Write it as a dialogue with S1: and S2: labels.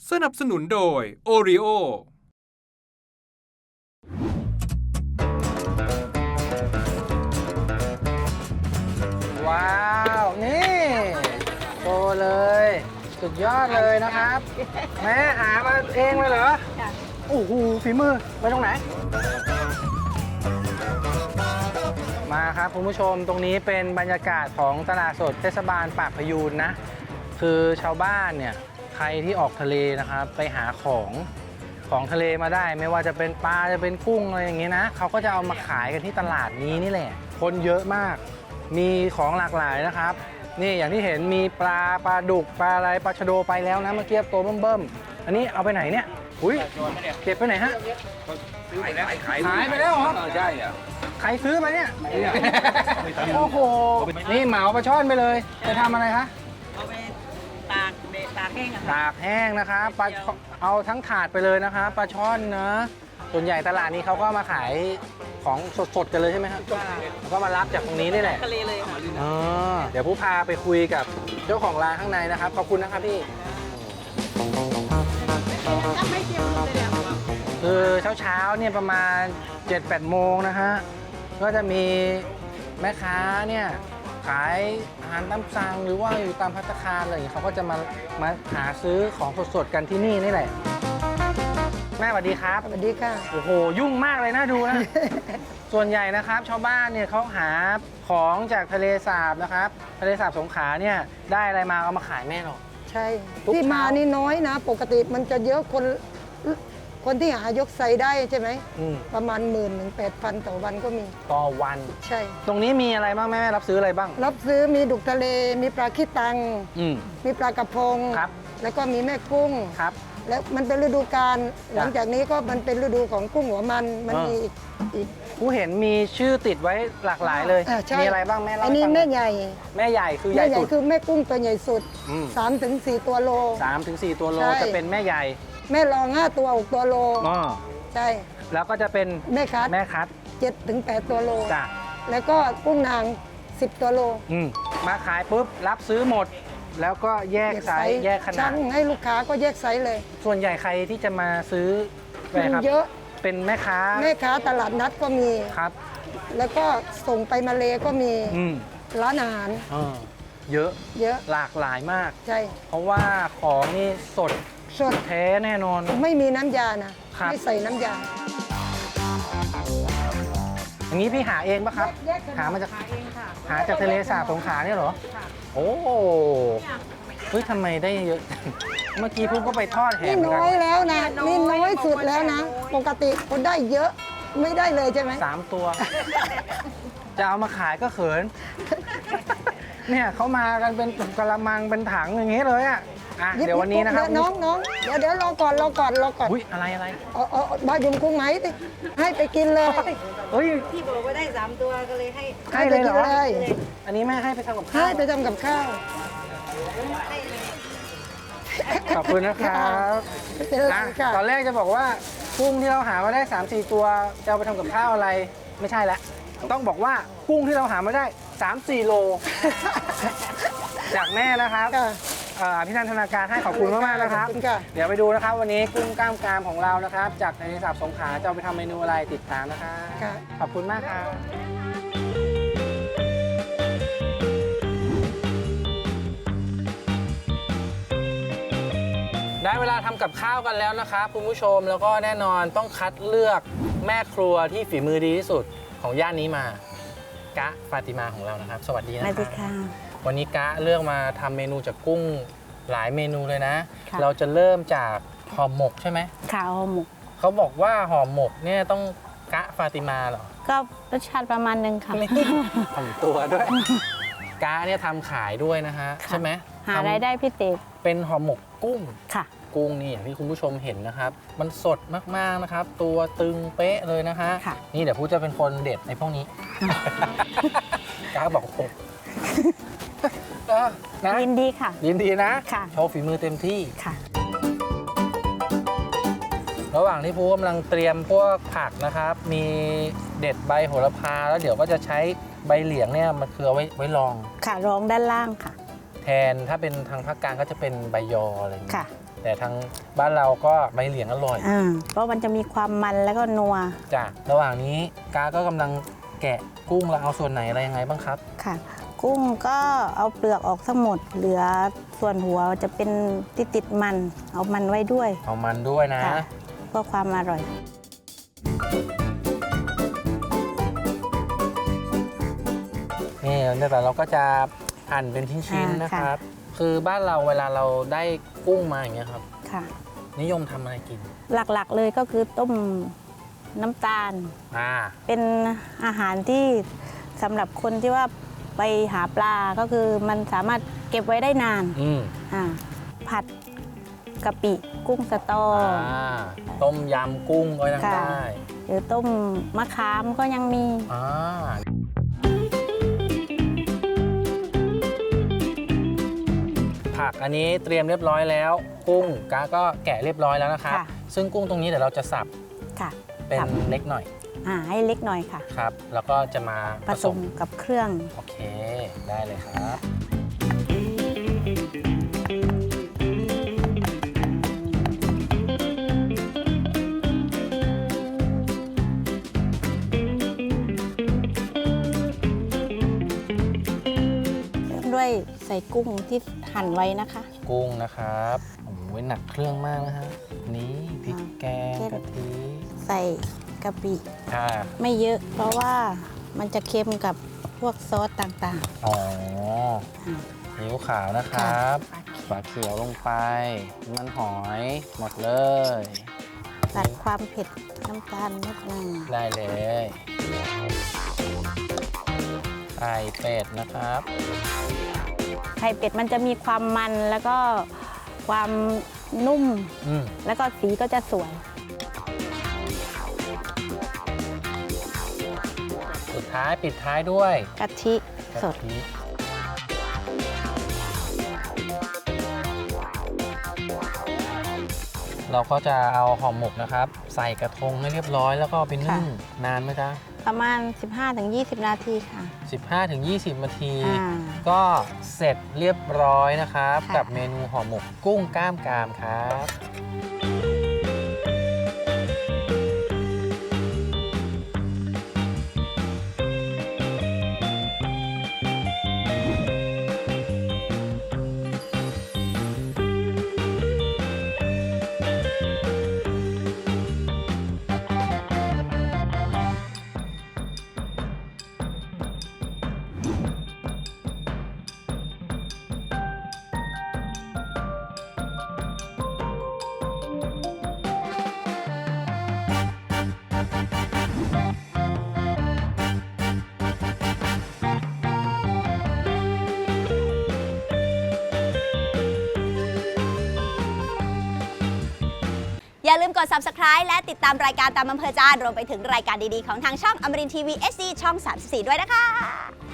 S1: สนับสนุนโดย Oreo
S2: ว้าว นี่โตเลย สุดยอดเลยนะครับ แม่หามาเองเลยเหรอโอ้โหฝีมือไปตรงไหน มาครับคุณผู้ชมตรงนี้เป็นบรรยากาศของตลาดสดเทศบาลปากพยูนนะ คือชาวบ้านเนี่ยใครที่ออกทะเลนะครับไปหาของทะเลมาได้ ไม่ว่าจะเป็นปลาจะเป็นกุ้งอะไรอย่างนี้นะเขาก็จะเอามาขายกันที่ตลาดนี้นี่แหละคนเยอะมากมีของหลากหลายนะครับนี่อย่างที่เห็นมีปลาดุกปลาอะไรปลาชะโดไปแล้วนะเมื่อกี้ตัวเบิ่มๆอันนี้เอาไปไหนเนี่ยอุ้ยเก็บไปไหนฮะขายไปแล้วเหรอใช่อ่ะใครซื้อไปเนี่ยโอ้โหนี่เหมาปลาช่อนไปเลยจะทำอะไรคะ
S3: เอาไปตากแห้งอะค่ะ
S2: ตากแห้งนะคะปลาเอาทั้งถาดไปเลยนะคะปลาช่อนนะส่วนใหญ่ตลาดนี้เขาก็มาขายของสดๆกันเลยใช่ไหมครับแล้วก็มารับจากตรงนี้นี่แหละ
S3: ทะเลเลยค่ะ
S2: อ๋อเดี๋ยวผู้พาไปคุยกับเจ้าของร้านข้างในนะครับขอบคุณนะครับพี่คือเช้าๆเนี่ยประมาณ 7-8 โมงนะฮะก็จะมีแม่ค้าเนี่ยขายอาหารตามสั่งหรือว่าอยู่ตามภัตตาคารอะไรอย่างเงี้ยเขาก็จะมาหาซื้อของสดๆกันที่นี่นี่แหละแม่สวัสดีครับ
S4: สวัสดีค่ะ
S2: โอ้โหยุ่งมากเลยนะดูนะ ส่วนใหญ่นะครับชาวบ้านเนี่ยเขาหาของจากทะเลสาบนะครับทะเลสาบสงขลาเนี่ยได้อะไรมาเอามาขายแม่หรอ
S4: ใช่
S2: ทุก
S4: ที่มา
S2: เช้า
S4: นี่น้อยนะ ปกติมันจะเยอะคนที่หายกไซได้ใช่ไหม ประมาณ10,000-8,000ต่อวันก็มี
S2: ต่อวัน
S4: ใช่
S2: ตรงนี้มีอะไรบ้างแม่รับซื้ออะไรบ้าง
S4: รับซื้อมีดุกทะเล มีปลาขี้ตัง
S2: อืม
S4: มีปลากระพง
S2: ครับ
S4: แล้วก็มีแม่กุ้ง
S2: ครับ
S4: แล้วมันเป็นฤดูกาลหลังจากนี้ก็มันเป็นฤดูของกุ้งหัวมันมีอีก
S2: ผู้เห็นมีชื่อติดไว้หลากหลายเลย
S4: ใช่
S2: มีอะไรบ้างแม่เล่า
S4: อันนี้
S2: ให้ฟังห
S4: แม่
S2: น่อย
S4: ใหญ่
S2: แม่ใหญ่คือให
S4: แม่
S2: ญ่
S4: ใหญ่
S2: สุด
S4: คือแม่กุ้งตัวใหญ่สุด
S2: อืม
S4: 3-4 ตัวโล
S2: 3-4 ตัวโล
S4: ใช่
S2: จะเป็นแม่ใหญ่
S4: แม่รอง5 ตัว6 ตัวโล
S2: อ๋อ
S4: ใช่
S2: แล้วก็จะเป็น
S4: แม่คัด
S2: แม่คัด
S4: 7-8 ตัวโล
S2: จ้ะ
S4: แล้วก็กุ้งนาง 10 ตัวโล
S2: มาขายปุ๊บรับซื้อหมด แล้วก็แยกไซส์แยกขนา
S4: ช่า
S2: ด
S4: งให้ลูกค้าก็แยกไซส์เลย
S2: ส่วนใหญ่ใครที่จะมาซื้อไปครับ
S4: เยอะ
S2: เป็นแม่ค้า
S4: แม่ค้าตลาดนัดก็มี
S2: ครับ
S4: แล้วก็ส่งไปมาเลก็มี
S2: อืม
S4: ร้านอาหาร
S2: เยอะ
S4: เยอะ
S2: หลากหลายมาก
S4: ใช่
S2: เพราะว่าของนี่สด
S4: สด
S2: แท้แน่นอน
S4: ไม่มีน้ำยานะ
S2: ครับ
S4: ไม่ใส่น้ำยา
S2: อย่างนี้พี่หาเองปะครับ
S4: แยกกัน
S2: หามาจาก
S3: ขายเองค่ะ
S2: หาจากทะเลสาบสงขลาเนี่ยเหรอ
S3: ค่ะ
S2: โอ้เฮ้ยทำไมได้เยอะ เมื่อกี้พุ่งก็ไปทอดแห
S4: นี่
S2: มเหมือน
S4: น้
S2: กั
S4: อย
S2: น
S4: แล้วนะนี่น้อยสุดแล้วนะ ปกติคนได้เยอะไม่ได้เลยใช่ไหม
S2: 3 ตัว จะเอามาขายก็เขิน เนี่ยเขามากันเป็นกระมังเป็นถังอย่างงี้เลยอ่ะเดี๋ยววันนี้นะครับ
S4: น้องเดี๋ยวรอก่อน
S2: อุ้ยอะไร
S4: เอาบายุมกุ้งไหมดิให้ไปกินเลย
S2: เฮ้ย
S3: ที่บอกว่าได้ 3 ตัวก็เลยให้
S2: ให้เลยเหรอ
S4: ให้ไปกินเลย
S2: อันนี้แม่ให้ไปทำกับข้า
S4: ให้
S2: ว
S4: ไปทำกับข้าว
S2: ขอบคุณนะครับ
S4: เป็นไรค่ะ
S2: ตอนแรกจะบอกว่ากุ้งที่เราหามาได้ 3-4 ตัวจะเอาไปทำกับข้าวอะไรไม่ใช่แล้วต้องบอกว่ากุ้งที่เราหามาได้ 3-4 โล จากแม่นะครับ
S4: ค่ะ
S2: พี่นันธนาการให้ขอบคุณมากๆนะครับ
S4: ขอบคุณค่ะ
S2: เดี๋ยวไปดูนะครับวันนี้กุ้งกล้ามกรามของเรานะครับ จากทะเลสาบสงขลาจะเอาไปทำเมนูอะไรติดตามนะครับ
S4: ค่ะ
S2: ขอบคุณมากครับได้เวลาทำกับข้าวกันแล้วนะครับคุณผู้ชมแล้วก็แน่นอนต้องคัดเลือกแม่ครัวที่ฝีมือดีที่สุดของย่านนี้มากะฟาติมาของเรานะครับ สวัสดีนะครับ
S3: สวัสดีค่ะ
S2: วันนี้กะเลือกมาทำเมนูจากกุ้งหลายเมนูเลยนะ
S3: ค่ะ
S2: เราจะเริ่มจากห่อหมกใช่ไหม
S3: ข้าวหมก
S2: เขาบอกว่าห่อหมกเนี่ยต้องกะฟาติมาเหรอ
S3: ก็รสชาติประมาณนึงค่ะ
S2: ทำตัวด้วย กะเนี่ยทำขายด้วยนะฮะ
S3: ค่ะ
S2: ใช่ไหม
S3: หารายได้พิเศษ
S2: เป็นห่อหมกกุ้ง
S3: ค่ะ
S2: กุ้งนี่อย่างที่คุณผู้ชมเห็นนะครับ มันสดมากๆนะครับ ตัวตึงเป๊ะเลยนะฮะ
S3: ค่ะ
S2: นี่เดี๋ยวผู้จะเป็นคนเด็ดในพวกนี้ กะบอกโอ้โหนะ
S3: ยินดีค่ะ
S2: ยินดีนะ
S3: ค่ะ
S2: โชว์ฝีมือเต็มที่
S3: ค่ะ
S2: ระหว่างที่ผู้กำลังเตรียมพวกผักนะครับ มีเด็ดใบโหระพาแล้วเดี๋ยวก็จะใช้ใบเหลียงเนี่ยมันคือเอาไว้รอง
S3: ค่ะรองด้านล่างค่ะ
S2: แทนถ้าเป็นทางภาคกลางก็จะเป็นใบยออะไรอย่างเงี้ย
S3: ค่ะ
S2: แแต่ทางบ้านเราก็ใบเหลียงอร่อย
S3: เพราะมันจะมีความมันแล้วก็นัว
S2: จ้ะระหว่างนี้กาก็กำลังแกะกุ้งเราเอาส่วนไหนอะไรยังไงบ้างครับ
S3: ค่ะ กุ้งก็เอาเปลือกออกทั้งหมด เหลือส่วนหัวจะเป็นติดมัน เอามันไว้ด้วย
S2: เอามันด้วยนะ
S3: ค่ะเพื่อความอร่อย
S2: นี่แต่เราก็จะหั่นเป็นชิ้นๆนะครับ คือบ้านเราเวลาเราได้กุ้งมาอย่างเงี้ยครับ
S3: ค่ะ
S2: นิยมทำอะไรกิน
S3: หลักๆเลยก็คือต้มน้ำตาล เป็นอาหารที่สำหรับคนที่ว่าไปหาปลาก็คือมันสามารถเก็บไว้ได้นานผัดกะปิกุ้งสตอ
S2: ต้มยำกุ้งก็ยังได้
S3: หรือต้มมะขามก็ยังมี
S2: ผักอันนี้เตรียมเรียบร้อยแล้ว กุ้งกาก็แกะเรียบร้อยแล้วนะครับ
S3: ค่ะ
S2: ซึ่งกุ้งตรงนี้เดี๋ยวเราจะสับ
S3: ค่ะ
S2: เป็นเล็กหน่อย
S3: ให้เล็กหน่อยค่ะ
S2: ครับ แล้วก็จะมา
S3: ผสมกับเครื่อง
S2: โอเค ได้เลยครับ
S3: เริ่มด้วยใส่กุ้งที่หั่นไว้นะคะ
S2: กุ้งนะครับโอ้โหหนักเครื่องมากนะฮะนี่พริกแกงกะทิ
S3: ใส่กะปิ
S2: อ่า
S3: ไม่เยอะเพราะว่ามันจะเค็มกับพวกซอสต่าง
S2: อ๋อ
S3: อ่า
S2: ซีอิ๊วขาวนะครับ
S3: ค่ะ
S2: ฝาเขียวลงไปมันหอยหมดเลย
S3: ๆตัดความเผ็ดน้ำตาลนิดนึง
S2: ได้เลยไข่เป็ดนะครับ
S3: ไข่เป็ดมันจะมีความมันแล้วก็ความนุ่ม แล้วก็สีก็จะสวย
S2: สุดท้ายปิดท้ายด้วย
S3: กะทิสด
S2: กะทิเราก็จะเอาห่อหมกนะครับ ใส่กระทงให้เรียบร้อยแล้วก็เอาไปนึ่งนานไหมจ๊ะ
S3: ประมาณ 15-20 นาทีค่ะ
S2: 15-20 นาที
S3: อ่า
S2: ก็เสร็จเรียบร้อยนะครับ
S3: ค่ะ
S2: กับเมนูห่อหมกกุ้งกล้ามกรามครับ
S5: อย่าลืมกด subscribe และติดตามรายการตามอำเภอใจรวมไปถึงรายการดีๆของทางช่องอมรินทร์ทีวี SD ช่อง 34 ด้วยนะคะ